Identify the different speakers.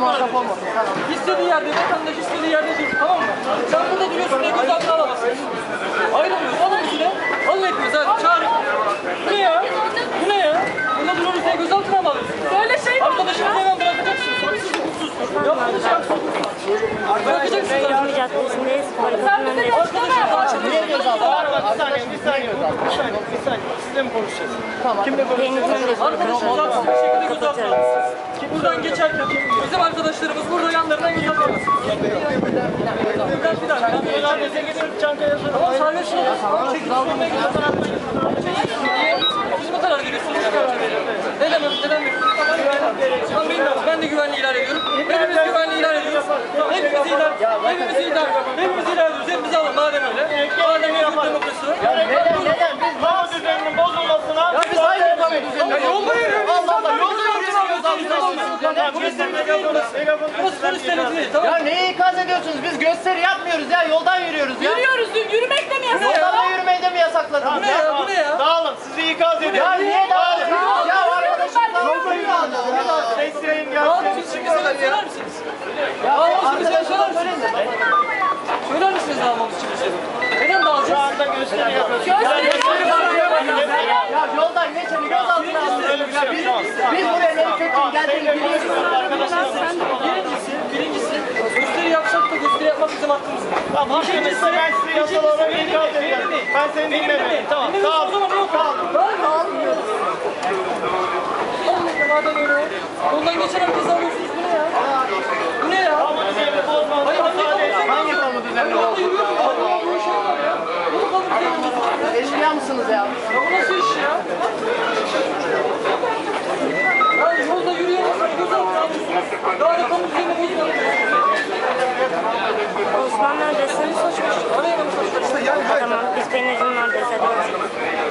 Speaker 1: muhatap olmasın. Tamam.
Speaker 2: İstediği yerde, vatandaş istediği yerde durur, tamam mı? Sen burada duruyorsun diye gözaltına alamazsın. Ayrılmıyoruz, alın üstüne. Alın etmiyoruz, hadi çağırın. Bu ne ya? Bu ne ya? Burada duruyoruz diye gözaltına mı alıyorsun?
Speaker 3: Böyle şey mi?
Speaker 2: Arkadaşımızı hemen bırakacaksın. Haksız, hukuksuz. Yaptığınız şey haksız. Bırakacaksınız.
Speaker 3: Cami Caddesi'ndeyiz. Barikatın önündeyiz.
Speaker 2: Arkadaşlar,
Speaker 1: Niye gözaltı?
Speaker 4: Bir saniye. Sizle mi konuşacağız?
Speaker 1: Tamam.
Speaker 4: Kimle konuşacağız?
Speaker 2: arkadaşımızı haksız bir şekilde gözaltına alıyorsunuz. Buradan geçerken bizim arkadaşlarımız burada yanlarından gözaltına alıyorsunuz. Bir dakika. Tamam, serbest olun. Siz mi karar veriyorsunuz? Neden ben de güvenliği ilan ediyorum. Hepimiz güvenliği ilan ediyoruz. Hepimiz ilan ediyoruz. Hepimizi alın madem öyle. Madem özgür demokrasi var.
Speaker 4: Neden? Biz hava düzeninin bozulmasına...
Speaker 2: Ya biz aynı yapamıyoruz. Ya yolda yürüyoruz.
Speaker 1: Allah Allah, yolda yürüyoruz.
Speaker 2: Burası polis devleti değil, tamam mı?
Speaker 1: Ya neyi ikaz ediyorsunuz? Biz gösteri yapmıyoruz ya. Yoldan yürüyoruz ya.
Speaker 3: Yürüyoruz. Yürümek de mi yasak?
Speaker 1: Yoldan da yürümeyi de mi yasakladınız?
Speaker 2: Bu ne ya? Bu ne ya?
Speaker 4: Dağılın, sizi ikaz ediyorum.
Speaker 1: Ya niye dağılıyorsunuz? Ya arkadaşım yolda yürüyoruz.
Speaker 4: Sesleyin
Speaker 2: Dağılmamız için bize söyler misiniz?
Speaker 1: Ya
Speaker 2: Dağılmamız için bize
Speaker 1: arkadaşım
Speaker 2: söyler
Speaker 1: söyleyin
Speaker 2: misiniz?
Speaker 1: de.
Speaker 2: Söyler misiniz dağılmamız için bize? Neden dağılacağız?
Speaker 4: Anda gösteri yapıyoruz.
Speaker 1: Ya yoldan geçeni gözaltına alıyoruz. Ya biz buraya ne kötü geldiğini biliyoruz.
Speaker 2: Birincisi, gösteri yapsak da gösteri yapmak bizim hakkımız.
Speaker 4: Tamam, hakkınızda ben size yasal olarak ikaz ediyorum. Ben seni dinlemiyorum. Tamam,
Speaker 2: Tamam. O zaman yok. Dağılın. Madem öyle. Yoldan geçen herkese alıyorsunuz. Bu ne ya? Bu ne ya?
Speaker 4: Ama düzenini bozmanıza müsaade edin.
Speaker 1: Hangi kamu düzenli oldu? Eşkıya mısınız ya?
Speaker 2: Ya bu nasıl iş ya? Ya yolda yürüyemezsiniz, gözaltına alıyorsunuz. Daha da kamu düzenini bozmayalım.
Speaker 3: Osman neredesin?
Speaker 2: Araya bak.
Speaker 3: Tamam. Biz Beniz'in neredeyiz. Hadi.